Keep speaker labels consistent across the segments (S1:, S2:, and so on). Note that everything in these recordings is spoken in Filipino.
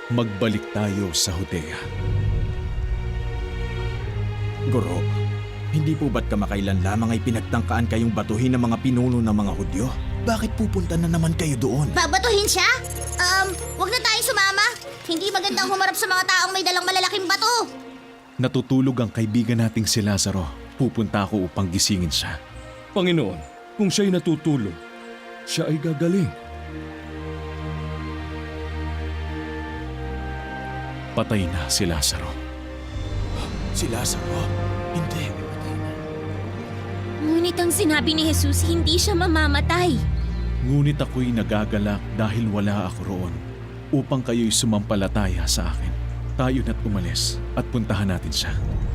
S1: Magbalik tayo sa Judea.
S2: Guro, hindi po ba't kamakailan lamang ay pinagtangkaan kayong batuhin ng mga pinuno ng mga Hudyo? Bakit pupunta na naman kayo doon?
S3: Babatuhin siya? Wag na tayong sumama. Hindi magandang humarap sa mga taong may dalang malalaking bato.
S1: Natutulog ang kaibigan nating si Lazaro. Pupunta ako upang gisingin siya.
S4: Panginoon, kung siya'y natutulog, siya ay gagaling.
S1: Patay na si Lazaro.
S2: Si Lazaro? Hindi.
S5: Ngunit ang sinabi ni Jesus, hindi siya mamamatay.
S1: Ngunit ako'y nagagalak dahil wala ako roon upang kayo'y sumampalataya sa akin. Tayo na't umalis at puntahan natin siya.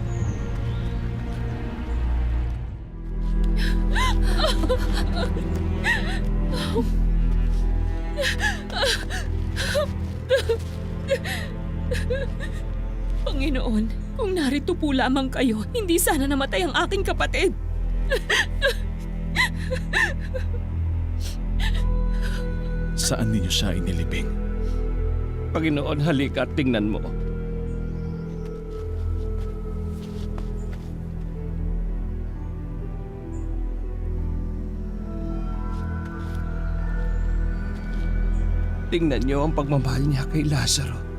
S6: Panginoon, kung narito po lamang kayo, hindi sana namatay ang aking kapatid.
S1: Saan ninyo siya inilibing?
S4: Panginoon, halika at tingnan mo. Tingnan niyo ang pagmamahal niya kay Lazaro.